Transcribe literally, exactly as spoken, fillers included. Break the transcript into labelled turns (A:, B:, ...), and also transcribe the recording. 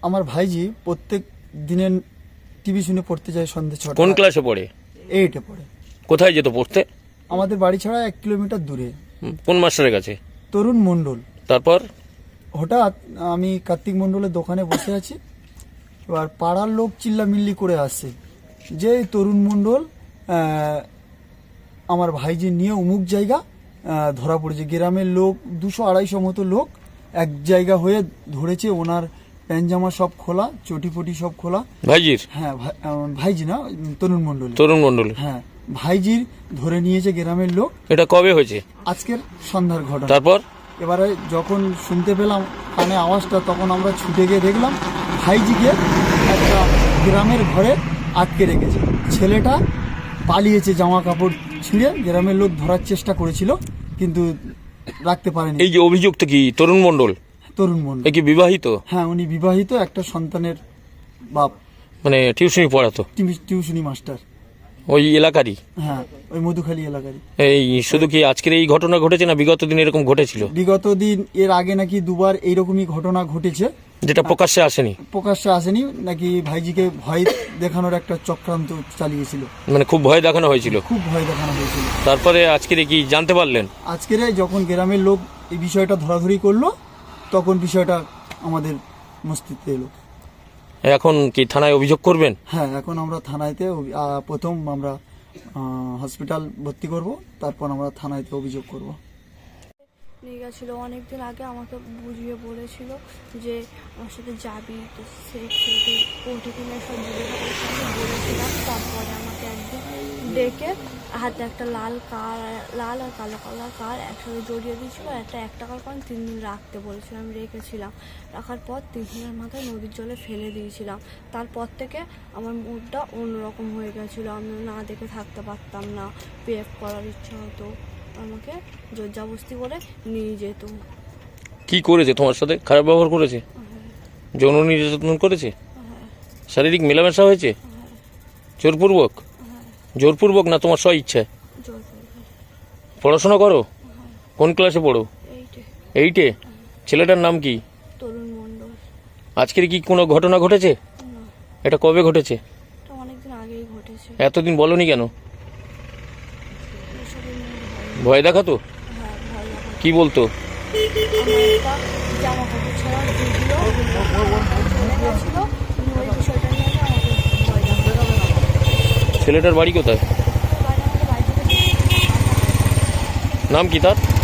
A: আমার ভাইজি প্রত্যেক দিনের টিভি শুনে পড়তে যায় সন্ধ্যে ছটা।
B: কোন ক্লাসে পড়ে?
A: এইটে পড়ে।
B: কোথায় যেত পড়তে?
A: আমাদের বাড়ি ছাড়া এক কিলোমিটার দূরে।
B: হুম, কোন মাস্টারের কাছে?
A: তরুণ মণ্ডল।
B: তারপর
A: হঠাৎ আমি কার্তিক মণ্ডলের দোকানে বসে আছি, এবার পাড়ার লোক চিল্লামিল্লি করে আসছে যে এই তরুণ মণ্ডল আহ, আমার ভাইজি নিয়ে অমুক জায়গা আহ, ধরা পড়েছে। গ্রামের লোক দুশো আড়াইশো মতো লোক এক জায়গা হয়ে ধরেছে, ওনার প্যান্ট-জামা সব খোলা, চটিপটি সব খোলা।
B: ভাইজির?
A: হ্যাঁ, ভাই- আহ, ভাইজি না, তরুণ মণ্ডল।
B: তরুণ মণ্ডল?
A: হ্যাঁ, ভাইজির ধরে নিয়েছে গ্রামের লোক।
B: এটা কবে হয়েছে?
A: আজকের সন্ধ্যার ঘটনা।
B: তারপর
A: এবারে যখন শুনতে পেলাম কানে আওয়াজটা, তখন আমরা ছুটে গিয়ে দেখলাম ভাইজিকে একটা গ্রামের ঘরে আটকে রেখেছে। ছেলেটা পালিয়েছে জামা কাপড় ছিঁড়ে। গ্রামের লোক ধরার চেষ্টা করেছিল কিন্তু রাখতে পারেনি।
B: এই যে অভিযুক্ত কি তরুণ মণ্ডল?
A: তরুণ মণ্ডল।
B: এ কি বিবাহিত?
A: হ্যাঁ, উনি বিবাহিত, একটা সন্তানের বাপ,
B: মানে টিউশনি পড়াতো?
A: টিউ- টিউশনি মাস্টার।
B: ওই এলাকারই?
A: হ্যাঁ, ওই মধুখালী এলাকারই।
B: এই শুধু কি আজকের এই ঘটনা ঘটেছে না বিগত দিন এরকম ঘটেছিল?
A: বিগত দিন এর আগে নাকি দুবার এইরকমই ঘটনা ঘটেছে,
B: যেটা প্রকাশ্যে আসেনি?
A: প্রকাশ্যে আসেনি। নাকি ভাইজিকে ভয় দেখানোর একটা চক্রান্ত চালিয়েছিল,
B: মানে খুব ভয় দেখানো হয়েছিল?
A: খুব ভয় দেখানো হয়েছিল।
B: তারপরে আজকের কি জানতে পারলেন?
A: আজকের যখন গ্রামের লোক এই বিষয়টা ধরাধরি করলো, তখন বিষয়টা আমাদের মস্তিষ্কে এলো।
B: এখন কি থানায় অভিযোগ করবেন?
A: হ্যাঁ, এখন আমরা থানায়তে অভি- আহ, প্রথম আমরা হসপিটাল ভর্তি করব, তারপর আমরা থানায়তে অভিযোগ করব।
C: নিয়ে গেছিলো অনেকদিন আগে, আমাকে বুঝিয়ে বলেছিল যে আমার সাথে যাবি, তো সে কোর্টে কিনে সব জিজ্ঞাসা বলেছিলাম। তারপরে আমাকে একদিন ডেকে হাতে একটা লাল কার, লাল আর কালো কালার কার একসাথে জড়িয়ে দিয়েছিল। একটা এক টাকার কয়েন তিন দিন রাখতে বলেছিল, আমি রেখেছিলাম। রাখার পর তিন দিনের মাথায় নদীর জলে ফেলে দিয়েছিলাম। তারপর থেকে আমার মুডটা অন্যরকম হয়ে গেছিলো, আমি না দেখে থাকতে পারতাম না, বিহেভ করার ইচ্ছা হতো। আমাকে জোরজাবস্তি করে নিয়ে যেত।
B: কি করেছে তোমার সাথে? খারাপ ব্যবহার করেছে? যৌন নির্যাতন করেছে? শারীরিক মেলামেশা হয়েছে? জোরপূর্বক? জোরপূর্বক না তোমার স্ব ইচ্ছায়?
C: জোর করে।
B: পড়াশোনা করো? কোন ক্লাসে পড়ো?
C: এইটে।
B: এইটে? ছেলেটার নাম কি?
C: তরুণ মণ্ডল।
B: আজকের কি কোনো ঘটনা ঘটেছে?
C: না,
B: এটা কবে ঘটেছে?
C: এটা অনেকদিন আগেই ঘটেছে।
B: এতদিন বলনি কেন?
C: এসবের নিয়ে ভয়।
B: ভয় দেখাতো?
C: হ্যাঁ, ভয় লাগে।
B: কি বলতো?
C: আমার একটা জামা কাপড় ছাড়া ভিডিও চলে গেছিলো, ওই বিষয়টা নিয়ে আমাকে ভয় লাগে।
B: ছেলেটার বাড়ি কোথায়?
C: বাইরে আমাদের বাড়ি থেকে
B: নাম কি তার?